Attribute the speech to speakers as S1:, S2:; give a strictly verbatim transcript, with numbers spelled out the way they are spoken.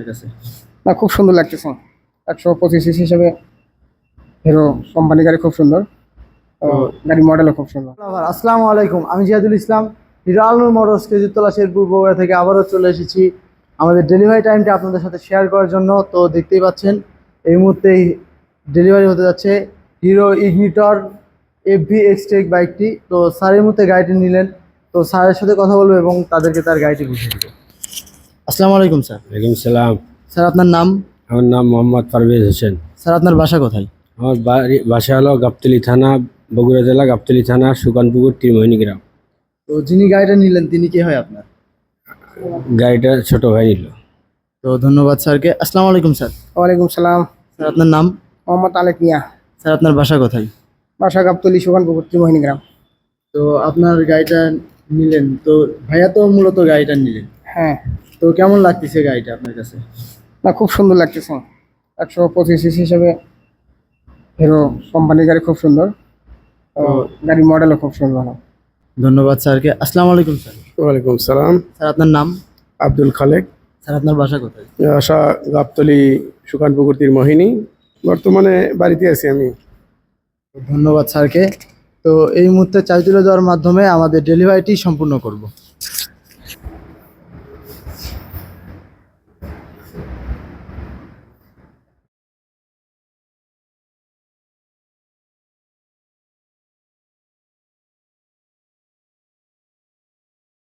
S1: কাছে?
S2: না, খুব সুন্দর লাগতেছে। একশো পঁচিশ সিসি হিসেবে হিরো কোম্পানি গাড়ি খুব সুন্দর, তো গাড়ি মডেলও খুব সুন্দর।
S1: আসসালামু আলাইকুম, আমি জিয়াদুল ইসলাম, হিরো আলনুর মোটরস কেজিতলা শেরপুর বগুড়া থেকে আবারও চলে এসেছি আমাদের ডেলিভারি টাইমটা আপনাদের সাথে শেয়ার করার জন্য। তো দেখতেই পাচ্ছেন এই মুহূর্তেই ডেলিভারি হতে যাচ্ছে Hero Ignitor F V Xtec বাইকটি। তো স্যার এই মুহূর্তে গাড়িটি নিলেন, তো স্যারের সাথে কথা বলবো এবং তাদেরকে তার গাড়িটি বুঝিয়ে দেবো। আসসালামু আলাইকুম স্যার।
S3: ওয়ালাইকুম সালাম।
S1: স্যার আপনার নাম?
S3: আমার নাম মোহাম্মদ পারভেজ হোসেন।
S1: স্যার আপনার বাসা কোথায়?
S3: আমার বাড়ি বাসা হলো গাবতলী থানা, বগুড়া জেলা গাবতলী থানা, সুকানপুকুর ত্রিমোহিনী গ্রাম।
S1: তো যিনি গাড়িটা নিলেন তিনি কে হয় আপনার?
S3: গাড়িটা ছোট ভাই নিল।
S1: তো ধন্যবাদ স্যারকে। আসসালামু আলাইকুম স্যার।
S2: ওয়ালাইকুম সালাম।
S1: স্যার আপনার নাম?
S2: মোহাম্মদ আলেক মিয়া।
S1: স্যার আপনার বাসা কোথায়?
S2: বাসা গাবতলী, সুখানপুকুর, ত্রিমোহিনী গ্রাম।
S1: তো আপনার গাড়িটা নিলেন, তো ভাইয়া তো মূলত গাড়িটা নিলেন,
S2: হ্যাঁ।
S1: তো কেমন লাগতেছে গাড়িটা আপনার কাছে?
S2: না, খুব সুন্দর লাগতেছে। একশো পঁচিশ সিসি হিসেবে হিরো কোম্পানি গাড়ি খুব সুন্দর, তো গাড়ি মডেলও খুব সুন্দর।
S1: ধন্যবাদ স্যারকে। আসসালামু আলাইকুম স্যার।
S4: ওয়ালাইকুম সালাম।
S1: স্যার আপনার নাম?
S4: আব্দুল খালেক।
S1: স্যার আপনার বাসা কোথায়?
S4: আশা গাবতলী, সুকানপুকুর তীরমোহিনী। বর্তমানে বাড়িতে আছি আমি।
S1: ধন্যবাদ স্যারকে। তো এই মুহূর্তে চাবি তুলে দেওয়ার মাধ্যমে আমাদের ডেলিভারিটি সম্পূর্ণ করব।